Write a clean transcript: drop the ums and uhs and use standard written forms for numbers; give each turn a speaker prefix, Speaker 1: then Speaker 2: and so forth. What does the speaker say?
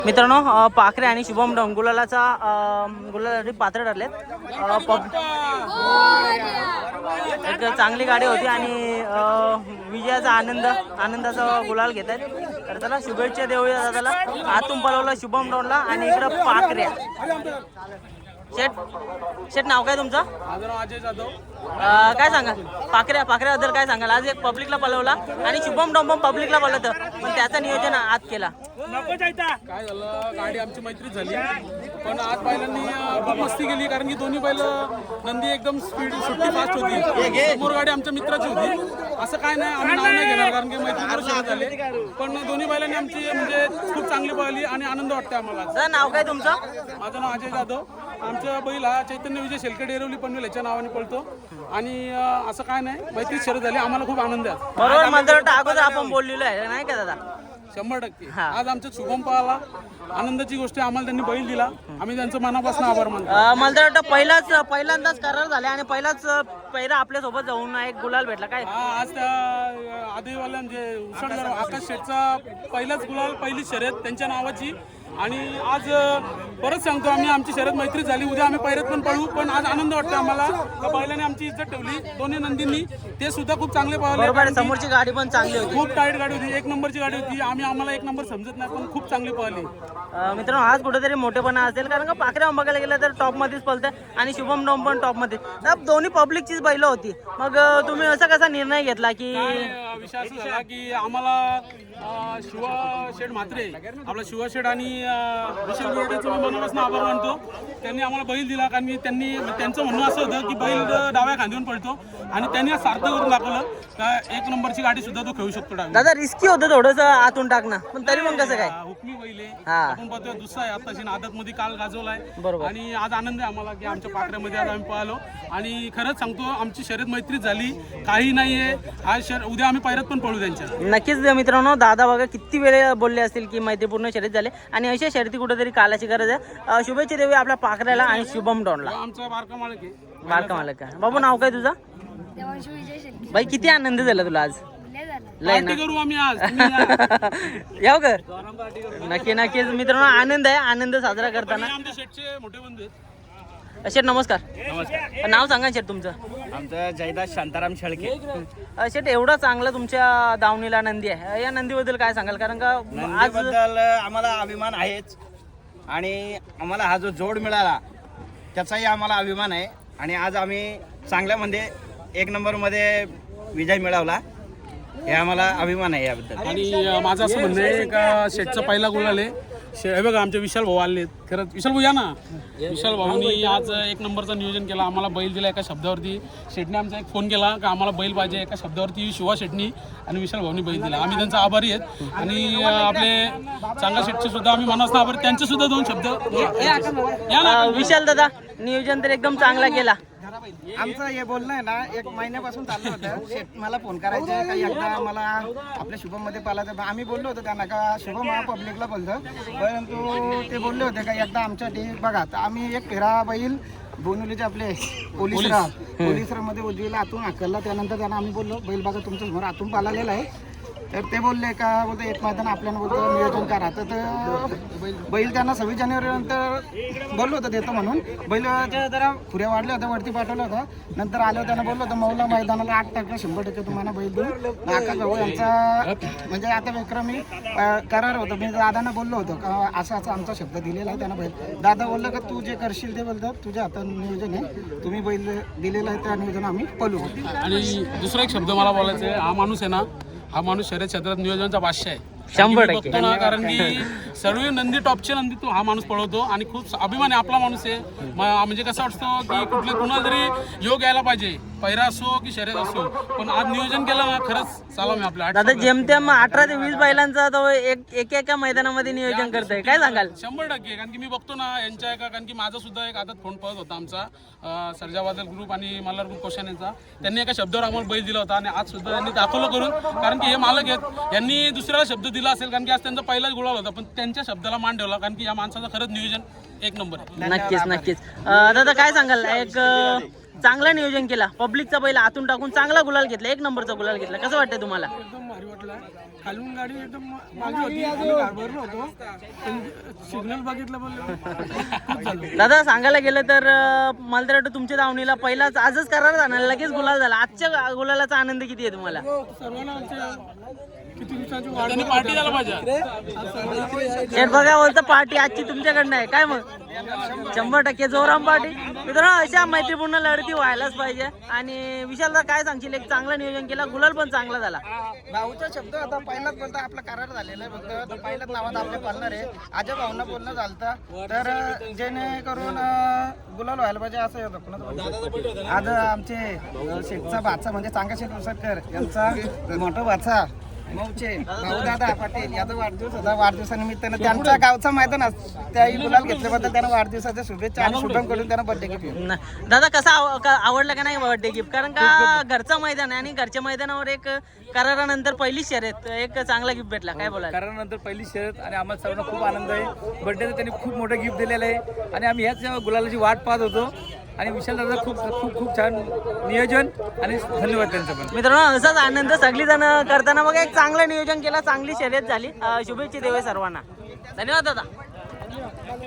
Speaker 1: मित्रांनो पाखरे आणि शुभम डोन गुलालासाठी पात्र ठरलेत। एक चांगली गाडी होती आणि विजयाचा आनंदाचा गुलाल घेत आहेत। तर त्याला शुभेच्छा देऊया दादाला। आतून पळवला शुभम डोनला आणि इकडं पाखऱ्या। शेट नाव काय तुमचं?
Speaker 2: माझं नाव अजय जाधव।
Speaker 1: काय सांगाल पाखऱ्याबद्दल काय सांगाल? आज एक पब्लिकला पळवला आणि शुभम डोन पब्लिकला पळवलं, पण त्याचं नियोजन आज केला।
Speaker 2: काय झालं, गाडी आमची मैत्रीच झाली, पण आज बैलांनी खूप मस्ती केली, कारण की दोन्ही बैल नंदी एकदम स्पीड सुट्टी फास्ट होती। समोर गाडी आमच्या मित्राची होती। असं काय नाही, आम्ही नाव नाही घेणार कारण की मैत्री शर्यत झाले, पण दोन्ही बैलांनी आमची म्हणजे खूप चांगली पळली आणि आनंद वाटते आम्हाला।
Speaker 1: नाव काय तुमचं?
Speaker 2: माझं नाव अजय जाधव। आमचा बैल हा चैतन्य विजय शेलके डेरवली पनवेल याच्या नावाने पळतो आणि असं काय नाही, मैत्री शर्यत झाली, आम्हाला खूप आनंद आहे।
Speaker 1: बरोबर, मला वाटतं अगोदर आपण बोललेलो आहे नाही का दादा?
Speaker 2: 100%। आज आमच्या शुभम पळाला, आनंदाची गोष्ट आहे, आम्हाला त्यांनी बैल दिला, आम्ही त्यांचं मनापासून आभार मानतो।
Speaker 1: मला वाटतं पहिल्यांदाच करार झाले आणि पहिलाच पहिला आपल्या सोबत जाऊन एक गुलाल भेटला काय?
Speaker 2: आज त्या आदिवाल्या म्हणजे उसळणार आकाश शेठचा पहिलाच गुलाल, पहिली शर्यत त्यांच्या नावाची। आणि आज परत सांगतो, आम्ही आमची शर्यत मैत्री झाली, उद्या आम्ही पैरात पण पळू, पण आज आनंद वाटतो आम्हाला। बैलाने आमची इज्जत ठेवली, दोन्ही नंदींनी, ते सुद्धा खूप चांगले पळाले।
Speaker 1: समोरची गाडी पण चांगली होती,
Speaker 2: खूप टाईट गाडी होती, 1 नंबरची गाडी होती। आम्हाला 1 नंबर समजत नाही, पण खूप चांगली पळाली।
Speaker 1: मित्रांनो आज कुठेतरी मोठेपणा असेल, कारण का पाखऱ्या बघायला गेलं तर टॉप मध्येच पळते आणि शुभम डोम पण टॉप मध्ये, दोन्ही पब्लिकचीच बैल होती। मग तुम्ही असा कसा निर्णय घेतला की?
Speaker 2: विषय असा झाला की आम्हाला शिवा शेठ म्हात्रे, आपला शिवा शेठ आणि विशाल बिर्डेचं मी मनापासून आभार मानतो। त्यांनी आम्हाला बैल दिला, कारण की त्यांचं म्हणणं असं होतं की बैल डाव्या खांद्यावर पळतो, आणि त्यांनी सार्थ करून दाखवलं का 1 नंबरची गाडी सुद्धा तो खेळू शकतो डाव्या।
Speaker 1: दादा रिस्की होतं थोडंसं आतून टाकणं, पण तरी मग कसं काय?
Speaker 2: हुकमी बैल आहे,
Speaker 1: हा।
Speaker 2: आपण पाहतोय दुसरा आहे, आताशी आदत मध्ये काल गाजवलाय,
Speaker 1: बरोबर।
Speaker 2: आणि आज आनंद आहे आम्हाला की आमच्या पाखऱ्यामध्ये आज आम्ही पळालो, आणि खरंच सांगतो आमची शर्यत मैत्रीच झाली, काही नाहीये। आज उद्या आम्ही पैरात पण पळू त्यांच्या।
Speaker 1: नक्कीच मित्रांनो, दादा बघा किती वेळ बोलले असतील की मैत्रीपूर्ण शर्यत झाले, आणि अशा शर्यती कुठेतरी कालाची गरज आहे। शुभेच्छा देऊया आपल्या पाखऱ्याला आणि शुभम डोनला।
Speaker 2: आमचा बारका मालक आहे।
Speaker 1: बारका मालक का? बाबू नाव काय तुझं? भाई किती आनंद झाला तुला आज? लय ना
Speaker 2: करू आम्ही आज
Speaker 1: याव का? नक्कीच मित्रांनो, आनंद आहे, आनंद साजरा करताना।
Speaker 2: आमच्या शेठचे मोठे बंधू आहेत।
Speaker 1: शेठ नमस्कार।
Speaker 3: नमस्कार।
Speaker 1: नाव सांगा शेठ तुमचं?
Speaker 3: आमचं जयदास शांताराम शेळके।
Speaker 1: शेठ एवढा चांगला तुमच्या दावणीला नंदी आहे, या नंदीबद्दल काय सांगाल? कारण का आज
Speaker 3: नंदीबद्दल आम्हाला अभिमान आहेच, आणि आम्हाला हा जो जोड मिळाला त्याचाही आम्हाला अभिमान आहे, आणि आज आम्ही चांगल्यामध्ये 1 नंबरमध्ये विजय मिळवला, हे आम्हाला अभिमान आहे याबद्दल।
Speaker 2: आणि माझं असं म्हणणं आहे का शेठचा पहिला गुलाल आहे। हे बघा आमचे विशाल भाऊ आले, खरंच विशाल भाऊ या ना। विशाल भाऊनी आज 1 नंबरचं नियोजन केला, आम्हाला बैल दिला एका शब्दावरती। शेठने आमचा एक फोन केला का आम्हाला बैल पाहिजे एका शब्दावरती, शिवा शेठनी आणि विशाल भाऊनी बैल दिला, आम्ही त्यांचा आभारी आहेत। आणि आपले चांगला शेठचे सुद्धा आम्ही मनापासून आभारी, त्यांचे सुद्धा 2 शब्द या ना।
Speaker 1: विशाल दादा नियोजन तर एकदम चांगला केला।
Speaker 4: आमचं हे बोलणं आहे ना 1 महिन्यापासून चाललं होतं। शेठ मला फोन करायचे का एकदा मला आपल्या शुभम मध्ये पालायचं, आम्ही बोललो होतो त्यांना का शुभम हा पब्लिकला बोलतो, परंतु ते बोलले होते का एकदा आमच्यासाठी बघा। तर आम्ही एक फेरा बैल बोनुलीचे आपले पोलिसमध्ये उजवीला आतून हाकलला, त्यानंतर त्यांना आम्ही बोललो बैल बघा तुमच्या समोर आतून पालालेला आहे। तर ते बोलले का बोलतो 1 मैदान आपल्याला बोलतो नियोजन करा। तर बैल त्यांना 26 जानेवारीनंतर बोललो होतं देतो म्हणून, बैलाच्या जरा खुऱ्या वाढल्या होत्या, वरती पाठवलं होतं। नंतर आल्यावर त्यांना बोललो होतं मौला मैदानाला 8% 100% तुम्हाला बैल देऊ। आकाश भाऊ यांचा म्हणजे आता विक्रमी करार होतं, मी दादांना बोललो होतो का असा आमचा शब्द दिलेला आहे त्यांना बैल। दादा बोललं का तू जे करशील ते बोलतात तुझ्या हातात नियोजन आहे, तुम्ही बैल दिलेलं आहे त्या नियोजन आम्ही पळू।
Speaker 2: आणि दुसरा एक शब्द मला बोलायचा आहे, हा माणूस आहे ना, हा माणूस शर्यत क्षेत्रात नियोजनाचा बादशाह आहे।
Speaker 1: 100%
Speaker 2: बघतो ना, कारण की सर्व नंदी टॉपचे नंदी तो हा माणूस पळवतो, आणि खूप अभिमान आहे, आपला माणूस आहे। म्हणजे कसं वाटतं की कुणाला तरी योग यायला पाहिजे, पैरा असो की शर्यत असो, पण आज नियोजन केलं ना, खरंच सलाम आपल्या।
Speaker 1: दादा जेमतेम 18 ते 20 बैलांचा तो एका मैदानामध्ये नियोजन करतोय, काय सांगाल?
Speaker 2: 100%, कारण की मी बघतो ना यांच्या एका, कारण की माझा सुद्धा एक आदत फोन पळत होता आमचा सर्जाबादल ग्रुप आणि मल्हार ग्रुप कोशान यांचा, त्यांनी एका शब्दावर आम्हाला बैल दिला होता, आणि आज सुद्धा त्यांनी दाखवलं करून, कारण की हे मालक आहेत, यांनी दुसऱ्याला शब्द दिला असेल, कारण की आज त्यांचा पहिलाच गुलाल होता, पण त्यांच्या शब्दाला मान ठेवला, कारण की या माणसाचं खरंच नियोजन 1 नंबर आहे।
Speaker 1: नक्कीच दादा काय सांगाल? एक चांगलं नियोजन केला, पब्लिकचा बैल आतून टाकून चांगला गुलाल घेतला, 1 नंबरचा गुलाल घेतला, कसं वाटतंय तुम्हाला?
Speaker 2: एकदम भारी वाटलं। खालून गाडी एकदम मागे होती, आम्ही घाबरलो होतो, सिग्नल बघितलं बोललो खूप झालं.
Speaker 1: दादा सांगायला गेलं तर मला तर वाटतं तुमच्या धावणीला पहिलाच आजच करार झाला, लगेच गुलाल झाला. आजच्या गुलालाचा आनंद किती आहे तुम्हाला?
Speaker 2: सर्वांना आमच्या किती दिवसांची वाट पार्टी झाला पाहिजे.
Speaker 1: शेठ बघा बोलतं पार्टी आजची तुमच्याकडनं आहे काय मग? 100% जोराम पार्टी. मित्रांनो अशा मैत्रीपूर्ण लढती व्हायलाच पाहिजे. आणि विशालदा काय सांगशील? एक चांगलं नियोजन केलं, गुलाल पण चांगला झाला.
Speaker 4: भाऊचा शब्द होता पहिलाच बोलता आपला करार झालेला आहे फक्त पहिल्याच नावात आपले पालणार आहे. आजच्या भाऊंना बोलणं झालं तर जेणेकरून गुलाल व्हायला पाहिजे असं होतं. कोणाचं आज आमचे शेठचा भाचा म्हणजे चांगा शेठ उसटकर यांचा मोठा भाचा मौचे भाऊ दादा पाटील याचा वाढदिवस होता. वाढदिवसानिमित्तानं त्यांच्या गावचा मैदान त्याही गुलाल घेतल्याबद्दल त्यांना वाढदिवसाच्या शुभेच्छा आणि शुभम करून त्यांना बर्थडे गिफ्ट.
Speaker 1: दादा कसा आवडला का नाही बर्थडे गिफ्ट? कारण का घरचं मैदान आहे आणि घरच्या मैदानावर एक करारानंतर पहिली शर्यत एक चांगला गिफ्ट भेटला. काय बोला?
Speaker 5: करारानंतर पहिली शर्यत आणि आम्हाला सर्वांना खूप आनंद आहे. बर्थडेचं त्यांनी खूप मोठं गिफ्ट दिलेलं आहे आणि आम्ही ह्याच गुलालाची वाट पाहत होतो. आणि विशाल दादा खूप खूप खूप छान नियोजन आणि धन्यवाद त्यांचं पण.
Speaker 1: मित्रांनो असाच आनंद सगळी जण करताना बघा एक चांगलं नियोजन केलं, चांगली शर्यत झाली. शुभेच्छा देवे सर्वांना. धन्यवाद दादा.